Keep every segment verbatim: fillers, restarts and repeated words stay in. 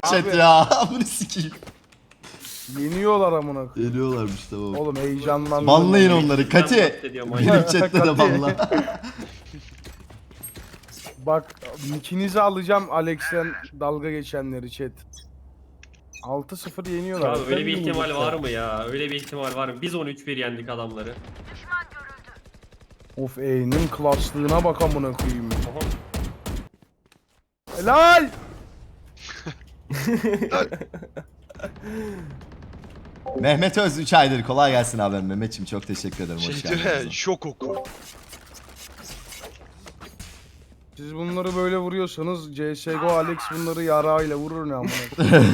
Chat ya. Bunu sikeyim. Yeniyorlar amına koyayım. Geliyorlarmış tamam. Oğlum heyecanlandım. Banlayın onları. Kati. bahsediyorum, aynen. Benim chatte de banla. Bak ikinizi alacağım Alex'ten dalga geçenleri chat. altı sıfır yeniyorlar. Abi öyle Sen bir ihtimal yenecekler. var mı ya? Öyle bir ihtimal var mı? Biz on üç bir yendik adamları. Of E'nin klaslığına bak amına koyayım. Aha. Helal! Mehmet Öz üç aydır. Kolay gelsin abi. Mehmetçim çok teşekkür ederim. Hoş Şimdi geldin. şok oku. Siz bunları böyle vuruyorsanız C S G O Alex bunları yarağıyla vurur ne amına koyayım.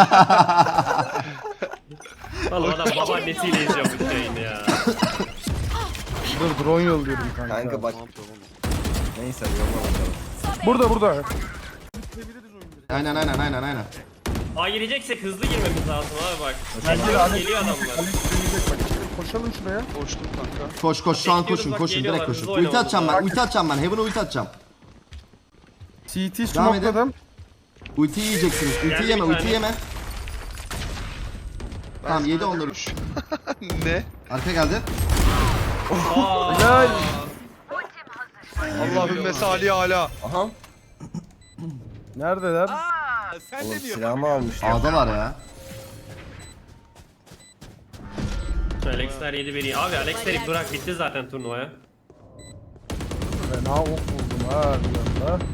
Oğlum adam babaannesiyle izliyor bu yayını ya. Dur drone yolluyorum kanka. Kanka bak. Ne yapıyor oğlum? Neyse yolla bakalım. Burada burada. Aynen aynen aynen aynen. Aa gireceksek hızlı girmemiz lazım abi bak. Bence Alex Geliyor adamlar. Alex deneyecek bak. Koşalım şuraya. Koştum kanka. Koş koş şu an Bekliyoruz koşun bak, koşun direkt geliyorlar, koşun. hızlı Ulti oynamamız atacağım ben. lazım. Ulti atacağım ben. Heaven'a ulti atacağım. C T Devam edin. smokladım. Ulti yiyeceksiniz. Ulti Geldi yeme bir ulti tane. yeme. Tamam yedi onları. Ne? Arka geldi. Aa, Helal. Allah'ın mesali hala. Aha. Neredeler? Oğlum silahımı almışlar. A'da var ya. Alexler yedi beni. Abi Alexleri bırak bitti zaten turnuvaya. Fena ok buldum ha bir anda.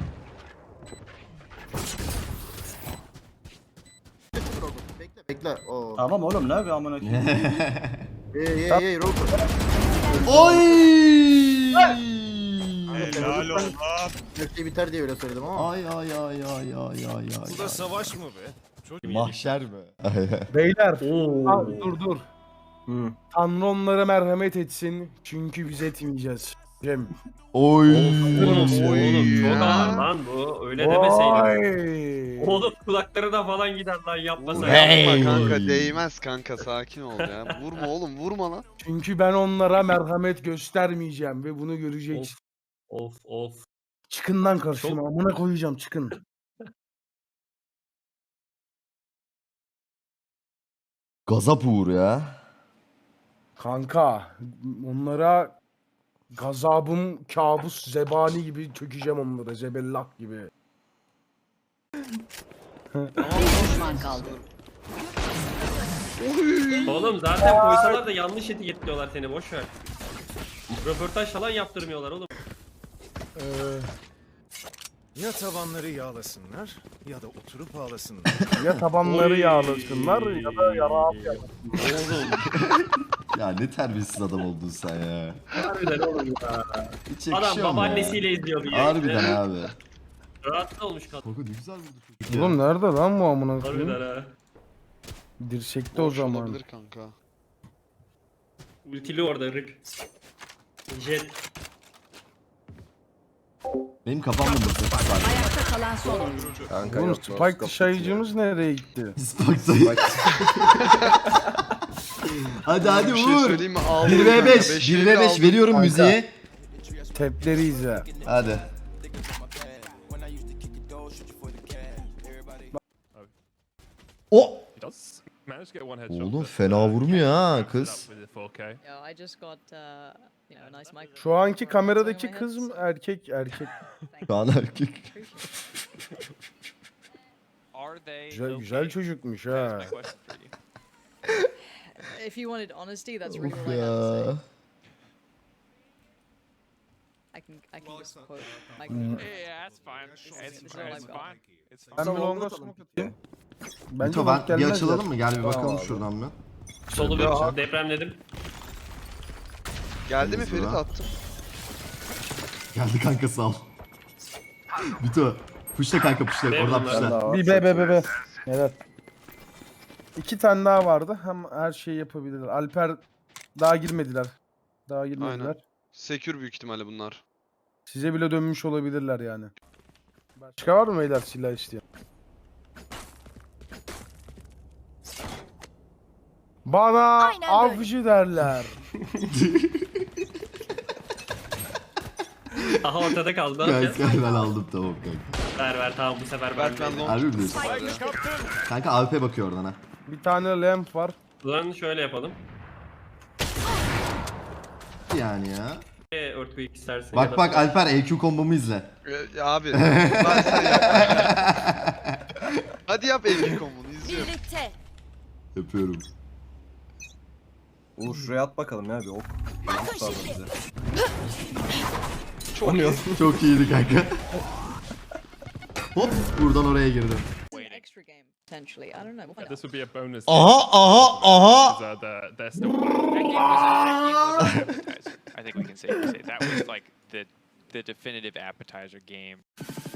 Bekle bekle. Oo. Tamam oğlum ne yapıyor amına koyayım? Hey hey hey Roper. Oy! Helal olsun. Her şey biter diye öyle söyledim ama. Ay ay ay ay ay ay ay. Bu da savaş mı be? Çok Mahşer mi? Beyler. Oo. Ha, dur dur. Hı. Tanrı onlara merhamet etsin. Çünkü biz etmeyeceğiz. Cem. Oy. Oğlum çok Ya. ağır lan bu. Öyle demeseydin. Vay. Oğlum kulaklarına falan gider lan yapmasaydın. Hey. Yapma kanka değmez kanka sakin ol ya. Vurma oğlum vurma lan. Çünkü ben onlara merhamet göstermeyeceğim ve bunu göreceksin. Of of. Çıkın lan karşıma. Amına koyacağım çıkın. Gazap uğur ya. Kanka onlara gazabım kabus zebani gibi çökeceğim onlara. Zebellah gibi. Düşman kaldı. Oğlum zaten koysalar da yanlış etiketliyorlar seni boş ver. Röportaj falan yaptırmıyorlar oğlum. Ee, Ya tavanları yağlasınlar ya da oturup ağlasınlar. ya tabanları Oy. yağlasınlar ya da yarağı yapsınlar. Oğlum Ya ne terbiyesiz adam oldun sen ya. harbiden oğlum ya. Hiç Adam yakışıyor mu babaannesiyle ya? izliyordu ya. Harbiden abi. Rahatsız olmuş kadın. Kanka ne güzel vurdu çocuk ya. Oğlum nerede lan bu amına koyayım? Harbiden ha. Dirsekte o Boş zaman. olabilir kanka. Ultili orada rip. Jet. Benim kafam mı mızrak sadece? Ayakta kalan son oyuncu. Kanka Oğlum yok. Spike dışayıcımız nereye gitti? Spike'dayım. Hadi hadi Bir şey vur. söyleyeyim mi? Ağlıyor bir ve kanka. beş. Beş bir elli ve beş aldım. veriyorum Kanka. müziği. Tepleri izle. Hadi. O Oğlum fena vurmuyor ha kız. Yo, I just got uh, you know, a nice mic. Şu anki kameradaki kız mı erkek erkek? Şu an erkek. Güzel, güzel çocukmuş ha. If you wanted honesty, that's really Of all I have to say. ya. I can I can just quote my Hmm. Yeah, that's fine. It's, This is all I've it's got. fine. It's fine. Ben bir longa smoke atayım. Bence Mito long ben bir gelmez açılalım ya. mı? Gel bir Tamam bakalım abi. şuradan bir. Solu Ya. bir depremledim. Geldi mi Temiz Ferit bura. attım. Geldi kanka sağ ol. Mito. Puşla kanka puşla. Ben Oradan bunlar- Ben puşla. daha var. Bir be be be be. Evet. İki tane daha vardı. Hem her şeyi yapabilirler. Alper daha girmediler. Daha girmediler. Aynen. Sekür büyük ihtimalle bunlar. Size bile dönmüş olabilirler yani. Başka var mı beyler silah isteyen? Bana Aynen böyle. avcı derler. Aha ortada kaldı. Ne yapacağız? Kanka ben aldım tamam kanka. Ver ver tamam bu sefer ben Berk ben de. long Harbi mi diyorsun? var ya. Kanka A W P bakıyor oradan ha. Bir tane lamp var. O zaman şöyle yapalım. Yani ya. Ee, Earthquake istersen. ya Bak da- bak Alper E Q kombomu izle. Ee, abi. Ben sen yap. Hadi yap Elki komunu izliyorum. Birlikte. Yapıyorum. Uğur şuraya at bakalım ya bir ok. Yumruk da alır bize. Çok iyi. Çok iyiydi kanka. Hop buradan oraya girdim. An extra game potentially. I don't know. We'll find out. This would be a bonus. Aha aha aha. Because, uh, the, they're still that game was, that game was an appetizer. I think we can safely say that was like the the definitive appetizer game.